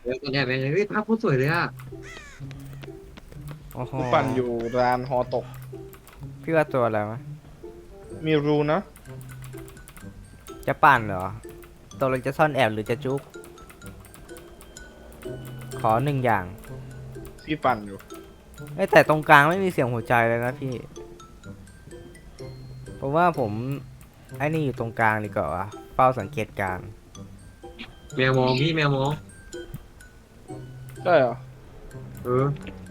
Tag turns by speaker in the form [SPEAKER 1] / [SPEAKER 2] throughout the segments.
[SPEAKER 1] เดี๋ยวตัวแอบไปเฮ้ยภาพโคตรสวยเลยอ่ะ
[SPEAKER 2] โอ้โห
[SPEAKER 3] กูปั่นอยู่ร้านฮอตก
[SPEAKER 2] พี่ว่าตัวอะไรวะ
[SPEAKER 3] มีรูนะ
[SPEAKER 2] จะปั่นเหรอตัวเราจะซ่อนแอบหรือจะจุกขอหนึ่งอย่าง
[SPEAKER 3] พี่ปั่นอยู่
[SPEAKER 2] แต่ตรงกลางไม่มีเสียงหัวใจเลยนะพี่เพราะว่าผมไอ้นี่อยู่ตรงกลางดีกว่าเฝ้าสังเกตการณ์
[SPEAKER 1] แมวมองพี่แมวมอง
[SPEAKER 3] ใช่เหรอ
[SPEAKER 1] เออ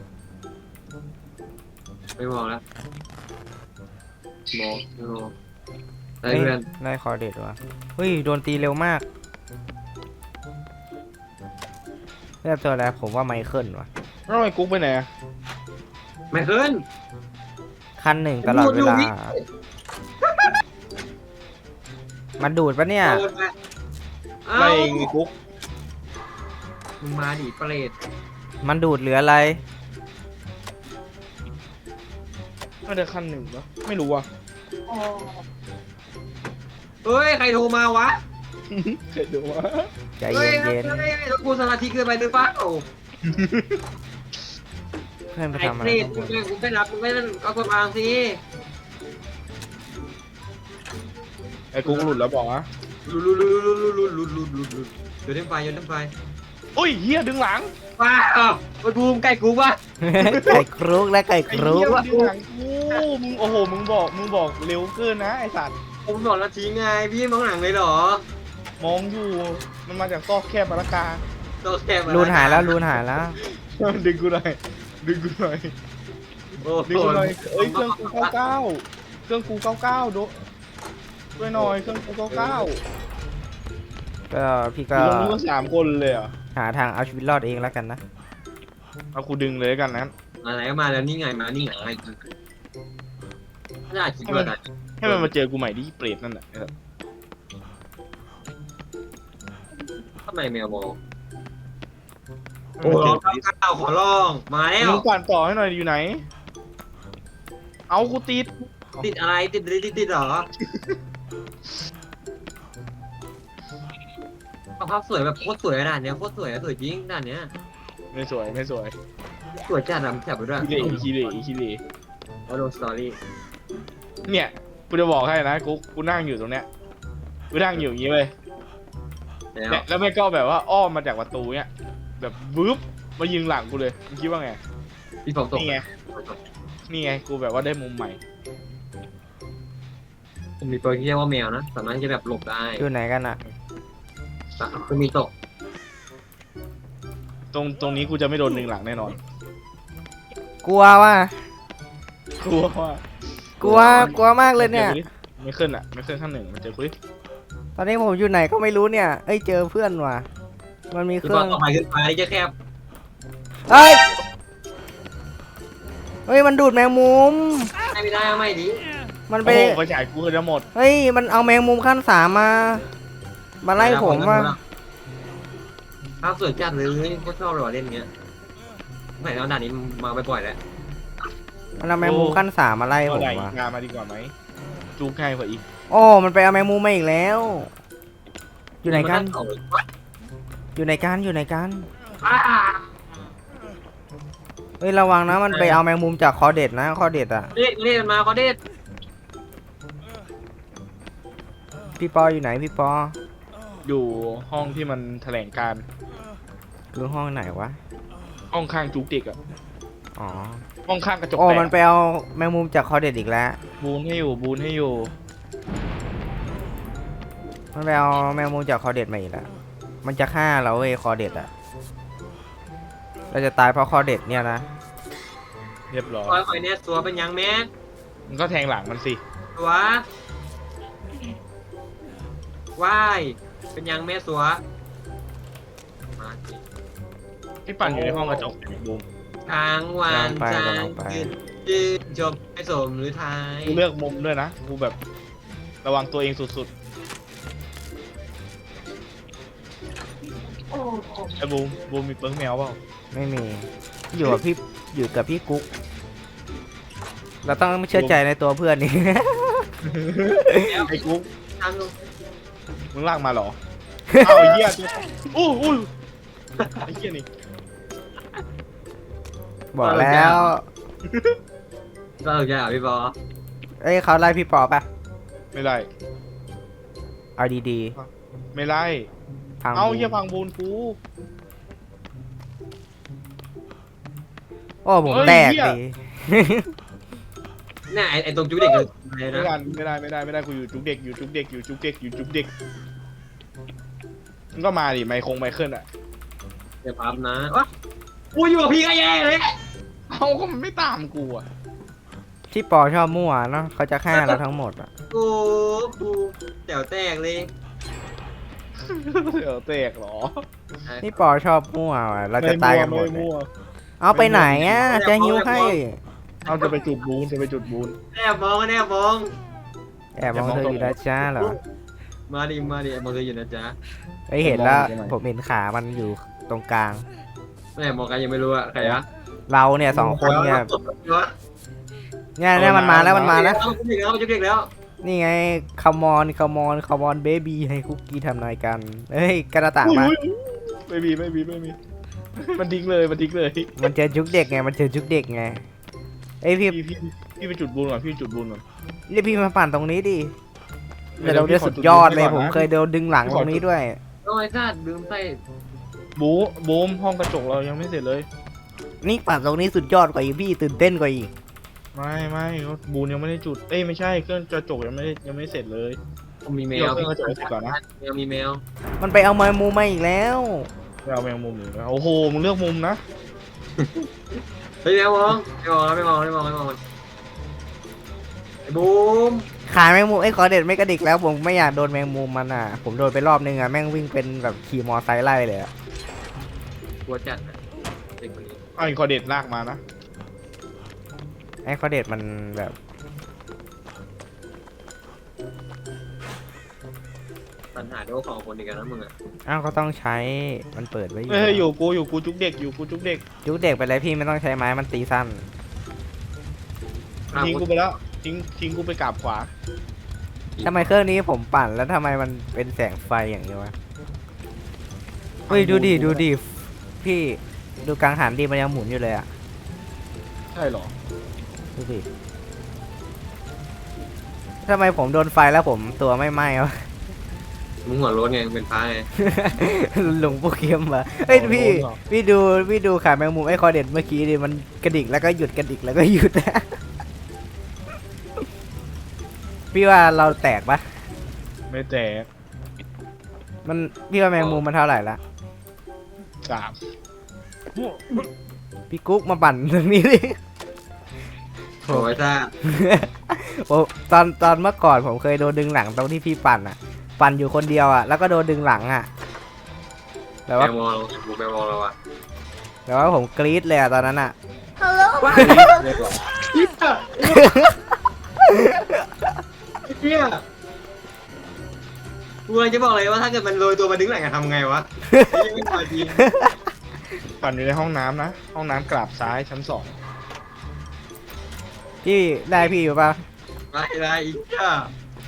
[SPEAKER 1] ไม่มองแล้วมองไม่มองได้เพื่อน
[SPEAKER 2] ได้คอเด็ดวะเฮ้ยโดนตีเร็วมากเรียกตัวอะไรผมว่าไมเคิลวะ
[SPEAKER 3] แล้วทำไมกุ๊กไปไหนอะ
[SPEAKER 1] ไม่ขึ้น
[SPEAKER 2] คันหนึ่งตลอดเวลามันดูดปะเนี่ย
[SPEAKER 3] ไม่เองไอ้กุ๊ก
[SPEAKER 1] มึงมาดิเปรต
[SPEAKER 2] มันดูดเหลืออะไร
[SPEAKER 3] ไม่ได้ขั้นหนึ่งเหรอไม่รู้อ่ะ
[SPEAKER 1] เฮ้ยใครโทรมาวะ
[SPEAKER 3] เคยดูวะ
[SPEAKER 2] ใจเย็น
[SPEAKER 1] เฮ้ยรถกูสมาธิเกินไปหรือเปล่า
[SPEAKER 2] เพื่อนไป
[SPEAKER 1] ไอ้
[SPEAKER 2] ทำอะ
[SPEAKER 1] เป
[SPEAKER 2] ไร
[SPEAKER 1] รตมึงไม่รับมึงไม่นั่นเอาตัววางสิ
[SPEAKER 3] ไอ้กุ๊กหลุดแล้วบอกนะ
[SPEAKER 1] ลุดโยนเต็มไฟโยนเต็มไฟ
[SPEAKER 3] อุ้ยเฮียดึงหลัง
[SPEAKER 1] ว้าไปบูมใกล้กูวะ
[SPEAKER 2] ไก่ครุกและไก่ค
[SPEAKER 3] ไอ้
[SPEAKER 2] รุ
[SPEAKER 3] เฮี
[SPEAKER 2] ก
[SPEAKER 3] ยดึงหลังกูมึงโอ้โหมึงบอกเร็วเกินนะไอ้สัตว์
[SPEAKER 1] ผมบอกแล้วทิ้งไงพี่มองหลังเลยเหรอ
[SPEAKER 3] มองอยู่มันมาจากซอกแคบมาละกา
[SPEAKER 1] ตัวแคบ
[SPEAKER 2] รูนหายแล้วรูนหายแล้ว
[SPEAKER 3] ดึงกูหน่อยดึงกูหน่อยดึงกูหน่อยเอ้ยเครื่องกู99เครื่องกู99ดูด้วยหน่อยเครื่องกู99
[SPEAKER 2] ก็พี่ก็
[SPEAKER 3] อยู่ตรงนี้ก็3 คนเลยอ่ะ
[SPEAKER 2] หาทางเอาชีวิตรอดเองแล้วกันนะ
[SPEAKER 3] เอากูดึงเลยกันนั้น
[SPEAKER 1] มาไหนก็มาแล้วนี่ไงมานี่ไงไม่ได้คิดว่าไง
[SPEAKER 3] ให้มันมาเจอกูใหม่ที่เปรตนั่นแหละ
[SPEAKER 1] ทำไมแมวมองโอ้โหข้าวขอร้องมาแล้ว
[SPEAKER 3] มึงปั่นต่อให้หน่อยอยู่ไหนเอากูติด
[SPEAKER 1] ติดอะไรติดเหรอภาพสวยแบบโคตรสวยด่านเนี้ยโคตรสวยสวยจริงด่านเนี้ย
[SPEAKER 3] ไม่สวย
[SPEAKER 1] สวยจัดอะแถบไปด้วย
[SPEAKER 3] ขี้เหร่
[SPEAKER 1] เอาลงสตอรี่
[SPEAKER 3] เนี่ยกูจะบอกให้นะกูนั่งอยู่ตรงเนี้ยกูนั่งอยู่อย่างงี้เลย
[SPEAKER 1] แล้ว
[SPEAKER 3] เนี่ยแล้วแม่ก็แบบว่าอ้อมมาจากประตูเนี่ยแบบบึ๊บมายิงหลังกูเลยมึงคิดว่าไง
[SPEAKER 1] พี่ฝนตก
[SPEAKER 3] นี่ไงกูแบบว่าได้มุมใหม่
[SPEAKER 1] ผมมีตัวที่เรียกว่าแมวนะสามารถที่จะแบบหลบได้
[SPEAKER 2] อยู่ไหนกันอ่ะ
[SPEAKER 1] จะมีตก
[SPEAKER 3] ตรงนี้กูจะไม่โดนหนึ่งหลังแน่นอน
[SPEAKER 2] กลัวว่ะ
[SPEAKER 3] กลัวว่าก
[SPEAKER 2] ลัวมากเลยเนี่ย
[SPEAKER 3] ไม่ขึ้นอ่ะไม่ขึ้นขั้นหนึ่งมันเจอกูดิ
[SPEAKER 2] ตอนนี้ผมอยู่ไหนก็ไม่รู้เนี่ยเอ้ยเจอเพื่อนว่ะมันมีเค
[SPEAKER 1] คือ
[SPEAKER 2] รื่อง
[SPEAKER 1] ต่อไปขึ้นไปจะแคบ
[SPEAKER 2] เฮ้ยมันดูดแมงมุม
[SPEAKER 1] ไม่ได้ไม่ดี
[SPEAKER 2] มันไป
[SPEAKER 3] โอ้โหไฟฉายกูจะหมด
[SPEAKER 2] เฮ้ยมันเอาแมงมุมขั้น3มาไล่ผมว่ะ
[SPEAKER 1] ภาพสวยจัดเลยโคตรชอบเลยว่ะเล่นเงี้ยไหนแล้วด่านนี้มาบ่อยๆแล้ว
[SPEAKER 2] มันเอาแมงมุมขั้น3มาไล่ผ
[SPEAKER 3] เอา
[SPEAKER 2] ม
[SPEAKER 3] ไหน
[SPEAKER 2] ว่ะ
[SPEAKER 3] งานมาดีกว่าไหมจูง่ายกว่าอีก
[SPEAKER 2] โอ้มันไปเอาแมงมุมมาอีกแล้ว อยู่ไหนกันอยู่ไหนกันเฮ้ยระวังนะมันไปเอาแมงมุมจากคอเด็ดนะคอเด็ดอ่ะ
[SPEAKER 1] เล่นมาเขาเด็ด
[SPEAKER 2] พี่ปออยู่ไหนพี่ปอ
[SPEAKER 3] อยู่ห้องที่มันแถลงการ
[SPEAKER 2] คือห้องไหนวะ
[SPEAKER 3] ห้องข้างจุกเด็กอ่ะ
[SPEAKER 2] อ๋อ
[SPEAKER 3] ห้องข้างกระจก
[SPEAKER 2] โอ้
[SPEAKER 3] แตก
[SPEAKER 2] มันไปเอาแมงมุมจากคอเด็ดอีกแล้ว
[SPEAKER 3] บูนให้อยู่
[SPEAKER 2] มันไปเอาแมงมุมจากคอเด็ดมาอีกแล้วมันจะฆ่าเราเว้ยคอเด็ดอ่ะเราจะตายเพราะคอเด็ดเนี่ยนะ
[SPEAKER 3] เรียบร้อย
[SPEAKER 1] คอยเนี่ยตัวเป็นยังแม่
[SPEAKER 3] มันก็แทงหลังมันสิ
[SPEAKER 1] ตัวว่ายเป็นยังแม่สัวมาสิ
[SPEAKER 3] พี่ปั่นอยู่ในห้องกระจกบูม
[SPEAKER 1] ทางวันจางยืนจบให้สมหรือไทย
[SPEAKER 3] กูเลือกมุมด้วยนะกูแบบระวังตัวเองสุดๆไอ้บูมมีเปิ้งแมวเปล่า
[SPEAKER 2] ไม่มีอยู่กับพี่กุ๊กเราต้องเชื่อใจในตัวเพื่อนนี่
[SPEAKER 3] ไอ้กุ๊ก
[SPEAKER 1] ทางลง
[SPEAKER 3] มึงลากมาเหรอ เอาไอ้เหี้ยอู้ไอ้เหี้ยนี่
[SPEAKER 2] บอกแล้ว
[SPEAKER 1] ก็ถูกใจเหรอพี่ปอ
[SPEAKER 2] เอ้ยเขาไล่พี่ปอป่ะ
[SPEAKER 3] ไม่ได้
[SPEAKER 2] เอาดี
[SPEAKER 3] ไม่ไล่
[SPEAKER 2] ๆพัง
[SPEAKER 3] เอา
[SPEAKER 2] บู
[SPEAKER 3] เหี้ยพังบูนกู
[SPEAKER 2] โอ้ผม
[SPEAKER 3] เฮ้ย
[SPEAKER 2] แตก
[SPEAKER 3] เหี้ย
[SPEAKER 2] ดี
[SPEAKER 1] เนี่ยไอ้ตรงจุ๊กเด็กอะไร
[SPEAKER 3] ไม่
[SPEAKER 1] นะ
[SPEAKER 3] ได้ไม่ได้กูอยู่จุกเด็กอยู่จุกเด็กอยู่จุกเด็กอยู่จุกเด็กมันก็มาดิไมเคิลอ่ะ
[SPEAKER 1] เดี๋ยวพับนะวะกูอยู่กับพี่ก็แย่เลย
[SPEAKER 3] เอาก็มันไม่ตามกูอ่ะ
[SPEAKER 2] ที่ปอชอบมั่วเนาะเขาจะฆ่าเราทั้งหมดอ่ะ
[SPEAKER 1] กูแจ๋วแตกเลย
[SPEAKER 3] เดี๋ยวแตกเหรอ
[SPEAKER 2] ที่ปอชอบมั่วอะเราจะตายกันหมด
[SPEAKER 3] ไม่
[SPEAKER 2] เลย
[SPEAKER 3] มั่ว
[SPEAKER 2] เอาไปไหนอ่ะจะหิวให้
[SPEAKER 3] เอาจะไปจุดบูนจะไปจุดบูน
[SPEAKER 1] แอบมองแอบมอง
[SPEAKER 2] แอบมองเธออยู่นะจ้าเหรอ
[SPEAKER 1] มาดิแอบมองเธออยู่นะจ๊ะ
[SPEAKER 2] เอ้ยเห็นแล้วผมเห็นขามันอยู่ตรงกลาง
[SPEAKER 1] แอบมองกันยังไม่รู้อะใครอะ
[SPEAKER 2] เราเนี่ย2 คนเนี่ยเนี่ยมันมาแล้วมันมาแล้ว
[SPEAKER 1] เอาจุ๊กเด็กแล้วจุ๊กเด็กแล้ว
[SPEAKER 2] นี่ไงคามอนเบบี้ให้คุกกี้ทำนายกันเฮ้ยกระต่างมา
[SPEAKER 3] ไม่มีมันทิ้งเลยมันทิ้งเลย
[SPEAKER 2] มันเจอจุกเด็กไงมันเจอจุกเด็กไงเอ้ยพี่
[SPEAKER 3] พี่ไปจุดบูนก่อนพี่จุดบูนก่อน
[SPEAKER 2] เรียกพี่มาปั่นตรงนี้ดิ
[SPEAKER 3] เดี๋
[SPEAKER 2] เดี๋
[SPEAKER 3] ย
[SPEAKER 2] ยว วเราได้
[SPEAKER 3] พี่ขอ
[SPEAKER 2] สุดยอดเลย
[SPEAKER 3] จุด
[SPEAKER 2] ผม
[SPEAKER 3] ก่อนนะ
[SPEAKER 2] เคยโดนดึงหลัง
[SPEAKER 3] พี่
[SPEAKER 2] ต
[SPEAKER 3] ขอ
[SPEAKER 2] รงนี้ด้วย
[SPEAKER 1] โอ้ยซาดลืมใส่
[SPEAKER 3] บูมห้องกระจกเรายังไม่เสร็จเลย
[SPEAKER 2] นี่ปั่นตรงนี้สุดยอดกว่าอีกพี่ตื่นเต้นกว่าอีก
[SPEAKER 3] ไม่ก็บูนยังไม่ได้จุดเอ้ยไม่ใช่เครื่องกระจกยังไม่เสร็จเลย
[SPEAKER 1] มีแม
[SPEAKER 3] พี่
[SPEAKER 1] ว
[SPEAKER 3] เอาเครื่องกระจกให้เสร็จก่อนนะ
[SPEAKER 1] แมวมีแมว
[SPEAKER 2] มันไปเอาแมวมูมาอีกแล้ว
[SPEAKER 3] ไม่เอาแมงมุมหนึ่งนะโอ้โหมึงเลือกมุมนะ
[SPEAKER 1] เฮ้ยแมวมองไม่มองไอ้บูม
[SPEAKER 2] ขายแมงมุมไอ้ยขอเด็ดไม่กระดิกแล้วผมไม่อยากโดนแมงมุมมันอ่ะ ผมโดนไปรอบนึงอ่ะแม่งวิ่งเป็นแบบขี่มอไซค์ไล่เลยอ่ะ
[SPEAKER 1] กลัวจัดอะเด็กคนนี้
[SPEAKER 3] เอาอีกคอเด็ดลากมานะ
[SPEAKER 2] ไอ้ขอเด็ดมันแบบ
[SPEAKER 1] ปัญหาโดของคนเดียวกันนะมึงอะ
[SPEAKER 2] อ้าวก็ต้องใช้มันเปิดไว้
[SPEAKER 3] เฮ้ยอยู่กูจุกเด็กอยู่กูจุกเด็ก
[SPEAKER 2] จุกเด็กไปเลยพี่ไม่ต้องใช้ไม้มันตีสั้น
[SPEAKER 3] ทิ้งกูไปแล้วทิ้งกูไปกราบขวา
[SPEAKER 2] ทำไมเครื่องนี้ผมปั่นแล้วทำไมมันเป็นแสงไฟอย่างนี้วะเฮ้ยดูดิพี่ดูกลางหันดีมันยังหมุนอยู่เลยอ่ะ
[SPEAKER 3] ใช่เหรอ
[SPEAKER 2] ดูดิทำไมผมโดนไฟแล้วผมตัวไม่ไหม้วะ
[SPEAKER 1] มึงหัวโล้นไงเป็นพระไง
[SPEAKER 2] หลงโปเกมมาเฮ้ยพี่ดูขาแมงมุมไอ้คอเด็ดเมื่อกี้ดิมันกระดิกแล้วก็หยุดกระดิกแล้วก็หยุด พี่ว่าเราแตกปะ
[SPEAKER 3] ไม่แตก
[SPEAKER 2] มันพี่ว่าแมงมุมมันเท่าไหร่ละ
[SPEAKER 3] กราบ
[SPEAKER 2] พี่กุ๊กมาปั่นตรงนี้ดิ
[SPEAKER 1] โอ้ยซาด
[SPEAKER 2] โอ้ตอนเมื่อก่อนผมเคยโดนดึงหลังตรงที่พี่ปั่นอ่ะ ปั่นอยู่คนเดียวอ่ะแล้วก็โดนดึงหลังอ่ะแต่
[SPEAKER 1] แม
[SPEAKER 2] ว่า
[SPEAKER 1] วมองบูมแมวมองเราอะ
[SPEAKER 2] แต่ว่าผมกรี๊ดเลยอ่ะตอนนั้นอ่ะ
[SPEAKER 1] เฮียกูเลยจะบอกเลยว่าถ้าเกิดมันโรยตัวมาดึงหลังจะทำไงวะยังไม่พอจริง
[SPEAKER 3] ปั่นอยู่ในห้องน้ำนะห้องน้ำกราบซ้ายชั้น
[SPEAKER 2] พี่ได้พี่อยู่ปะ
[SPEAKER 1] ไรอีกอ่ะ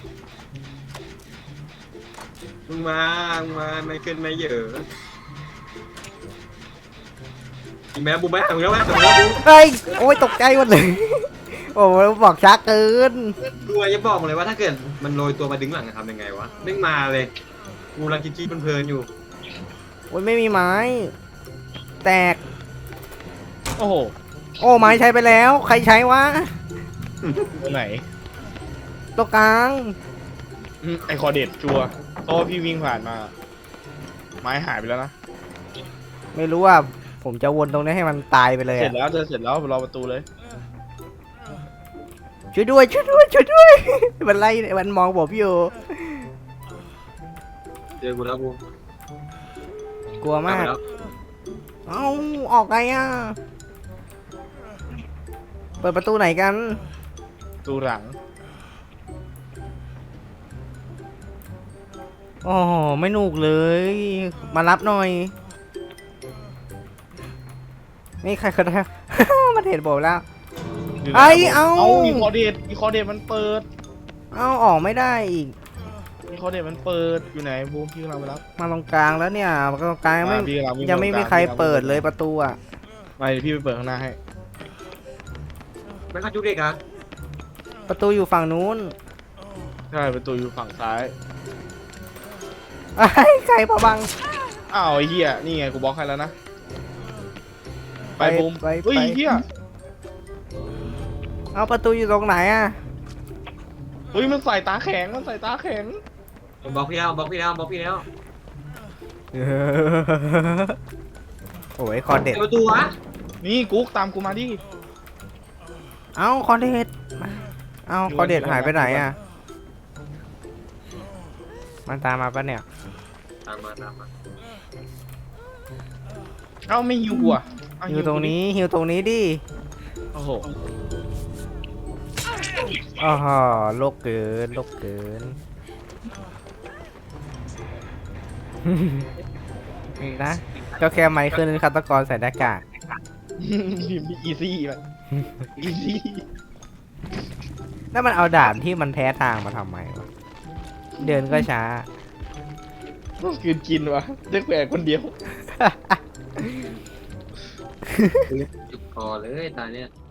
[SPEAKER 1] มึงมาไม่ขึ้นไม่เยอะอีแม่บูมแม่ถึงแล้วบูม
[SPEAKER 2] เฮ้ยโอ้ยตกใจหมดเลย โอ้ยบอกช้าเกิน
[SPEAKER 1] กูจะบอกเลยว่าถ้าเกิดมันโรยตัวมาดึงหลังจะทำยังไงวะดึงมาเลยกูรังคิดเพลินๆอยู่
[SPEAKER 2] โอ้ยไม่มีไม้ แตก
[SPEAKER 3] 2โอ้โห
[SPEAKER 2] โอ้ไม้ใช้ไปแล้ว ใครใช้วะ
[SPEAKER 3] ตรงไหน
[SPEAKER 2] ตรงกลาง
[SPEAKER 3] ไอคอเด็ดชัวร์เพราะว่าพี่วิ่งผ่านมา ไม้หายไปแล้วนะ
[SPEAKER 2] ไม่รู้ว่าผมจะวนตรงนี้ให้มันตายไปเลย
[SPEAKER 3] เสร็
[SPEAKER 2] อะ
[SPEAKER 3] จแล้วเสร็จแล้วรอประตูเลย
[SPEAKER 2] ช่วยด้วย มันไล่มันมองผมอยู่
[SPEAKER 1] เจอกูแล้วกู
[SPEAKER 2] กลัวมาก
[SPEAKER 1] แล้ว
[SPEAKER 2] เอ้าออกไงอ่ะ เปิดประตูไหนกัน
[SPEAKER 3] ประตูหลัง
[SPEAKER 2] โอ้โหไม่หนุกเลย มารับหน่อยนี่ใครก็ได้ มันเห็นผมแล้ว
[SPEAKER 3] ยู่หน
[SPEAKER 2] ไอ้เอ้า
[SPEAKER 3] อีคอเด็ดมันเปิด
[SPEAKER 2] เอ้าออกไม่ได้อีก
[SPEAKER 3] มีคอเด็ดมันเปิดอยู่ไหนบูมพี่กำลังไปรับ
[SPEAKER 2] มาตรงกลางแล้วเนี่ยตรงกลางยังไม่
[SPEAKER 3] พี่กำลังวิ่
[SPEAKER 2] ยังไม่มีใคร
[SPEAKER 3] พี่กำลัง
[SPEAKER 2] เปิดเลยประตูอ่ะ
[SPEAKER 3] ไม่เดี๋ยวพี่ไปเปิดข้างหน้าให้
[SPEAKER 1] ไม่เข้าจุดเด็กอ่ะ
[SPEAKER 2] ประตูอยู่ฝั่งนู้น
[SPEAKER 3] ใช่ประตูอยู่ฝั่งซ้าย
[SPEAKER 2] ไอ้ยใครพะบัง
[SPEAKER 3] อ้าวไอ้เหี้ยนี่ไงกูบล็อกให้แล้วนะไปบูม
[SPEAKER 2] ไป
[SPEAKER 3] เฮ้ยเหี้ย
[SPEAKER 2] เอาประตูอยู่ตรงไหนอ่ะ
[SPEAKER 3] เฮ้ยมันใส่ตาแข็งมันใส่ตาแข็ง
[SPEAKER 1] ผมบอกพี่แล้วบอกพี่แล้วบอกพี่แล้ว
[SPEAKER 2] โอ้ยคอเด็ด
[SPEAKER 1] เปิดประตูวะ
[SPEAKER 3] นี่กุ๊กตามกูมาดิ
[SPEAKER 2] เอาคอเด็ดเอาคอเด็ดหายไปไหนอ่ะมันตามมาปะเนี่ย
[SPEAKER 1] ตามมาตามมา
[SPEAKER 3] เอ้าไม่หิวกูอ่ะเา
[SPEAKER 2] หิวตรงนี้หิวตรงนี้ดิ
[SPEAKER 3] โอ้โห
[SPEAKER 2] อ๋อโลกเกินโลกเกิน นะก็แค่ไมค์ขึ้นฆาตกรใส่หน้ากาก
[SPEAKER 3] พิมพ์อีซี่ไปอีซี่
[SPEAKER 2] แล้วมันเอาด่านที่มันแพ้ทางมาทำไมวะเดินก็ช้า
[SPEAKER 3] คืนกินวะเด็กแหวกคนเดียว
[SPEAKER 1] จุดคอเลยตาเนี้ย